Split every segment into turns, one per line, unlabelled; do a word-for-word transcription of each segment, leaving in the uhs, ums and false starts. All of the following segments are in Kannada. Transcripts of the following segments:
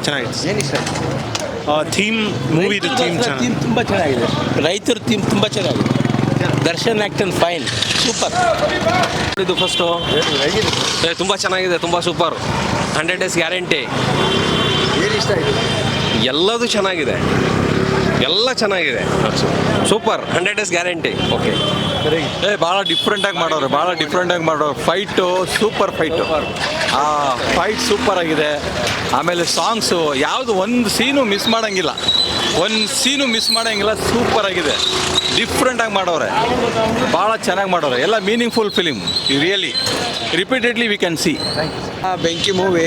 ಚೆನ್ನಾಗಿತ್ತು.
ಏನು ಇಷ್ಟ ಆಯ್ತು?
ಥೀಮ್ ಮೂವಿದು ಥೀಮ್ ಚೆನ್ನಾಗಿ
ಥೀಮ್ ತುಂಬ ಚೆನ್ನಾಗಿದೆ. ರೈತರ ಥೀಮ್ ತುಂಬ ಚೆನ್ನಾಗಿದೆ. Darshan action fine, super.
ಇದು ಫಸ್ಟು ತುಂಬ ಚೆನ್ನಾಗಿದೆ, ತುಂಬ ಸೂಪರ್. Hundred days guarantee.
ಏನು ಇಷ್ಟ ಆಯಿತು?
ಎಲ್ಲದೂ ಚೆನ್ನಾಗಿದೆ, ಎಲ್ಲ ಚೆನ್ನಾಗಿದೆ, super. Hundred days guarantee. Okay.
ಏ ಭಾಳ ಡಿಫ್ರೆಂಟಾಗಿ ಮಾಡೋರು, ಭಾಳ ಡಿಫ್ರೆಂಟಾಗಿ ಮಾಡೋರು. ಫೈಟು ಸೂಪರ್ ಫೈಟು, ಆ ಫೈಟ್ ಸೂಪರ್ ಆಗಿದೆ. ಆಮೇಲೆ ಸಾಂಗ್ಸು ಯಾವುದು ಒಂದು ಸೀನು ಮಿಸ್ ಮಾಡೋಂಗಿಲ್ಲ, ಒಂದು ಸೀನು ಮಿಸ್ ಮಾಡೋಂಗಿಲ್ಲ. ಸೂಪರ್ ಆಗಿದೆ, ಡಿಫ್ರೆಂಟಾಗಿ ಮಾಡೋರೆ, ಭಾಳ ಚೆನ್ನಾಗಿ ಮಾಡೋರೆ. ಎಲ್ಲ meaningful film, really repeatedly we can see.
ಬೆಂಕಿ ಮೂವಿ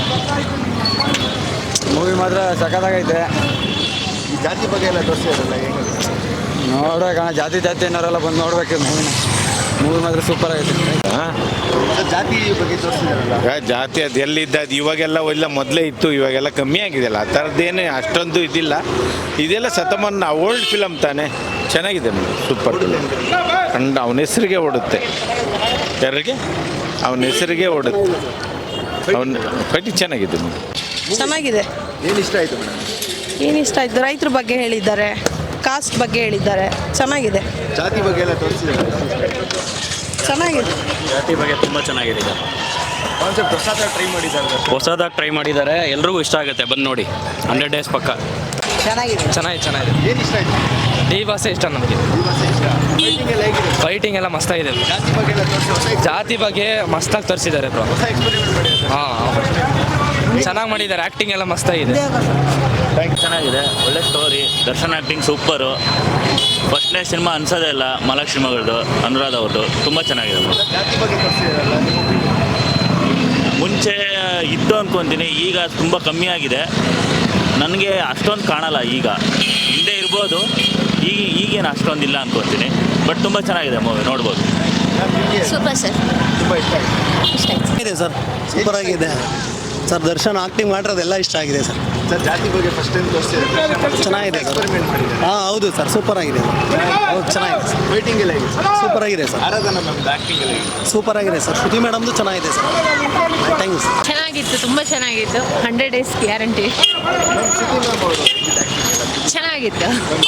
ಮೂವಿ ಮಾತ್ರ ಸಖತ್ತಾಗೈತೆ.
ಈ ಜಾತಿ ಬಗ್ಗೆ ಎಲ್ಲ ತೋರಿಸಿದ್ರಲ್ಲ, ಹೆಂಗೆ
ನೋಡ್ಬೇಕಣ್ಣ, ಜಾತಿ ಜಾತಿ ಅನ್ನೋರೆಲ್ಲ ಬಂದು ನೋಡ್ಬೇಕು ಮೂವಿನ. ಮೂವಿ ಮಾತ್ರ ಸೂಪರ್ ಆಗೈತೆ.
ಜಾತಿ ಬಗ್ಗೆ ತೋರಿಸಿದಾರಲ್ಲ,
ಜಾತಿ ಅದು ಎಲ್ಲಿದ್ದ ಅದು ಇವಾಗೆಲ್ಲ ಎಲ್ಲ ಮೊದಲೇ ಇತ್ತು, ಇವಾಗೆಲ್ಲ ಕಮ್ಮಿ ಆಗಿದೆಯಲ್ಲ. ಆ ಥರದ್ದೇನು ಅಷ್ಟೊಂದು ಇದಿಲ್ಲ. ಇದೆಲ್ಲ ಶತಮಾನ ಓಲ್ಡ್ ಫಿಲಮ್ ತಾನೇ, ಚೆನ್ನಾಗಿದೆ, ಸೂಪರ್ ಕಂಡು ಅವನ ಹೆಸರಿಗೆ ಓಡುತ್ತೆ. ಯಾರಿಗೆ? ಅವನ ಹೆಸರಿಗೆ ಓಡುತ್ತೆ. ಅವನ ಕಟ್ಟಿ ಚೆನ್ನಾಗಿದೆ.
ಚೆನ್ನಾಗಿದೆ.
ಏನು ಇಷ್ಟ ಆಯಿತು ಮೇಡಮ್?
ಏನು ಇಷ್ಟ ಆಯಿತು? ರೈತರ ಬಗ್ಗೆ ಹೇಳಿದ್ದಾರೆ, ಕಾಸ್ಟ್ ಬಗ್ಗೆ ಹೇಳಿದ್ದಾರೆ, ಚೆನ್ನಾಗಿದೆ.
ಜಾತಿ ಬಗ್ಗೆ ಎಲ್ಲ ತೋರಿಸಿದಾರಲ್ಲ,
ಚೆನ್ನಾಗಿದೆ.
ಜಾತಿ ಬಗ್ಗೆ ತುಂಬ ಚೆನ್ನಾಗಿದೆ. ಈಗ
ಕಾನ್ಸೆಪ್ಟ್ ಹೊಸದಾಗಿ ಟ್ರೈ ಮಾಡಿದ್ದಾರೆ,
ಹೊಸದಾಗಿ ಟ್ರೈ ಮಾಡಿದ್ದಾರೆ, ಎಲ್ರಿಗೂ ಇಷ್ಟ ಆಗುತ್ತೆ, ಬಂದು ನೋಡಿ. ಹಂಡ್ರೆಡ್ ಡೇಸ್ ಪಕ್ಕ
ಚೆನ್ನಾಗಿದೆ.
ಚೆನ್ನಾಗಿ ಚೆನ್ನಾಗಿದೆ.
ಏನು ಇಷ್ಟ ಆಯಿತು?
ಈ ಭಾಷೆ ಇಷ್ಟ ನಮಗೆ.
ಈ ಭಾಷೆ ಇಷ್ಟ. ಫೈಟಿಂಗ್ ಎಲ್ಲ ಹೇಗಿದೆ?
ಫೈಟಿಂಗ್ ಎಲ್ಲ ಮಸ್ತಾಗಿದೆ.
ಜಾತಿ ಬಗ್ಗೆ ಎಲ್ಲ ತೋರಿಸಿ ಹೊಸ
ಜಾತಿ ಬಗ್ಗೆ ಮಸ್ತಾಗಿ ತೋರಿಸಿದ್ದಾರೆ ಬ್ರೋ.
ಹೊಸ ಎಕ್ಸ್ಪೆರಿಮೆಂಟ್ ಮಾಡಿದ್ದಾರೆ.
ಹಾಂ, ಚೆನ್ನಾಗಿ ಮಾಡಿದ್ದಾರೆ. ಆ್ಯಕ್ಟಿಂಗ್ ಎಲ್ಲ ಮಸ್ತಾಗಿದೆ.
ಚೆನ್ನಾಗಿದೆ, ಒಳ್ಳೆ ಸ್ಟೋರಿ. Darshan acting super. ಫಸ್ಟ್ನೇ ಸಿನಿಮಾ ಅನ್ಸೋದೇ ಇಲ್ಲ, ಮಹಾಲಕ್ಷ್ಮಿ ಮಗಳದು, ಅನುರಾಧ ಅವ್ರದ್ದು. ತುಂಬ ಚೆನ್ನಾಗಿದೆ.
ಜಾತಿ ಬಗ್ಗೆ ತೋರಿಸಿದಾರಲ್ಲ, ನಿಮ್ಮ opinion?
ಮುಂಚೆ ಇತ್ತು ಅಂದ್ಕೊತೀನಿ, ಈಗ ತುಂಬ ಕಮ್ಮಿ ಆಗಿದೆ. ನನಗೆ ಅಷ್ಟೊಂದು ಕಾಣಲ್ಲ ಈಗ, ಹಿಂದೆ ಇರ್ಬೋದು, ಈಗ ಈಗೇನು ಅಷ್ಟೊಂದಿಲ್ಲ ಅಂದ್ಕೊತೀನಿ. ಬಟ್ ತುಂಬ ಚೆನ್ನಾಗಿದೆ ಮೂವಿ, ನೋಡ್ಬೋದು.
ಸೂಪರ್ ಸರ್,
ತುಂಬ ಇಷ್ಟ ಆಯಿತು.
ಇಷ್ಟ ಆಯ್ತು.
ಇದೆ ಸರ್, ಸೂಪರ್ ಆಗಿದೆ ಸರ್. ದರ್ಶನ್ ಆ್ಯಕ್ಟಿಂಗ್ ಮಾಡಿರೋದೆಲ್ಲ ಇಷ್ಟ ಆಗಿದೆ ಸರ್.
ಸರ್ ಜಾತಿ ಬಗ್ಗೆ ಫಸ್ಟ್ ಟೈಮ್ ತೋರಿಸಿದ್ದಾರೆ,
ಚೆನ್ನಾಗಿದೆ ಸರ್.
ಎಕ್ಸ್ಪೆರಿಮೆಂಟ್ ಮಾಡಿದ್ದಾರೆ.
ಹಾಂ ಹೌದು ಸರ್, ಸೂಪರ್ ಆಗಿದೆ. ಹೌದು, ಚೆನ್ನಾಗಿದೆ ಸರ್.
ಫೈಟಿಂಗ್ ಎಲ್ಲ ಹೇಗಿದೆ?
ಸೂಪರ್ ಆಗಿದೆ ಸರ್.
ಆರಾಧನಾ ಮ್ಯಾಮ್ದು ಆ್ಯಕ್ಟಿಂಗ್ ಎಲ್ಲ ಹೇಗಿದೆ?
ಸೂಪರ್ ಆಗಿದೆ ಸರ್. ಶ್ರುತಿ ಮೇಡಮ್ದು ಚೆನ್ನಾಗಿದೆ ಸರ್. Thank you sir.
ಚೆನ್ನಾಗಿತ್ತು, ತುಂಬ ಚೆನ್ನಾಗಿತ್ತು. Hundred days guarantee.
Shruti ma'am ಅವರು ಹೇಗಿದೆ acting?
ಚೆನ್ನಾಗಿತ್ತು.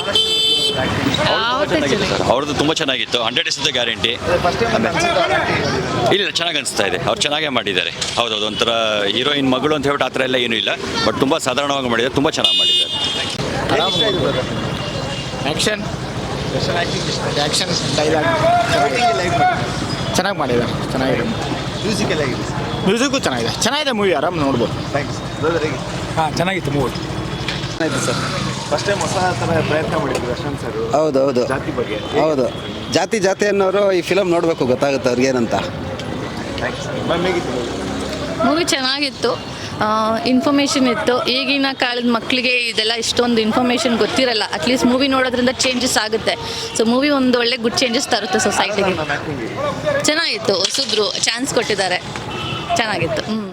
ಅವ್ರದ್ದು ತುಂಬ ಚೆನ್ನಾಗಿತ್ತು. Hundred days guarantee.
First time ಅನ್ಸುತ್ತೆ acting?
ಇಲ್ಲ, ಚೆನ್ನಾಗಿ ಅನಿಸ್ತಾ ಇದೆ. ಅವ್ರು ಚೆನ್ನಾಗೇ ಮಾಡಿದ್ದಾರೆ. ಹೌದೌದು, ಒಂಥರ ಹೀರೋಯಿನ್ ಮಗಳು ಅಂತ ಹೇಳ್ಬಿಟ್ಟು ಆ ಥರ ಎಲ್ಲ ಏನೂ ಇಲ್ಲ. ಬಟ್ ತುಂಬ ಸಾಧಾರಣವಾಗಿ ಮಾಡಿದ್ದಾರೆ, ತುಂಬ ಚೆನ್ನಾಗಿ ಮಾಡಿದ್ದಾರೆ.
ಏನು ಇಷ್ಟ ಆಯಿತು brother?
ಆ್ಯಕ್ಷನ್
ದರ್ಶನ್ acting ಇಷ್ಟ ಆಯ್ತು?
ಆ್ಯಕ್ಷನ್ ಡೈಲಾಗ್
ಫೈಟಿಂಗ್ ಎಲ್ಲ ಹೇಗೆ ಮಾಡಿದ್ದಾರೆ?
ಚೆನ್ನಾಗಿ ಮಾಡಿದ್ದಾರೆ. ಚೆನ್ನಾಗಿದೆ.
ಮ್ಯೂಸಿಕ್ ಎಲ್ಲ ಹೇಗಿದೆ?
ಮ್ಯೂಸಿಕ್ಕು ಚೆನ್ನಾಗಿದೆ. ಚೆನ್ನಾಗಿದೆ ಮೂವಿ, ಆರಾಮ್ ನೋಡ್ಬೋದು.
Thanks brother. ಹೇಗೆ
ಹಾಂ, ಚೆನ್ನಾಗಿತ್ತು ಮೂವಿ.
ಆಯಿತು ಸರ್. ಫಸ್ಟ್ ಟೈಮ್ ಹೊಸ ಥರ ಪ್ರಯತ್ನ ಮಾಡಿದ್ರು ದರ್ಶನ್ ಸರ್.
ಹೌದು ಹೌದು
ಜಾತಿ ಬಗ್ಗೆ
ಹೌದು. ಜಾತಿ ಜಾತಿ ಅನ್ನೋರು ಈ ಫಿಲಮ್ ನೋಡಬೇಕು, ಗೊತ್ತಾಗುತ್ತೆ ಅವ್ರಿಗೆ ಏನಂತ.
Thanks ma'am. ಹೇಗಿತ್ತು?
ಮೂವಿ ಚೆನ್ನಾಗಿತ್ತು, ಇನ್ಫಾರ್ಮೇಷನ್ ಇತ್ತು. ಈಗಿನ ಕಾಲದ ಮಕ್ಕಳಿಗೆ ಇದೆಲ್ಲ ಇಷ್ಟೊಂದು ಇನ್ಫಾರ್ಮೇಷನ್ ಗೊತ್ತಿರಲ್ಲ. ಅಟ್ಲೀಸ್ಟ್ ಮೂವಿ ನೋಡೋದ್ರಿಂದ ಚೇಂಜಸ್ ಆಗುತ್ತೆ. ಸೊ ಮೂವಿ ಒಂದು ಒಳ್ಳೆ ಗುಡ್ ಚೇಂಜಸ್ ತರುತ್ತೆ ಸೊಸೈಟಿಗೆ.
ಮ್ಯಾಮ್ ಆ್ಯಕ್ಟಿಂಗ್
ಚೆನ್ನಾಗಿತ್ತು, ಹೊಸಬ್ರು ಚಾನ್ಸ್ ಕೊಟ್ಟಿದ್ದಾರೆ, ಚೆನ್ನಾಗಿತ್ತು. ಹ್ಞೂ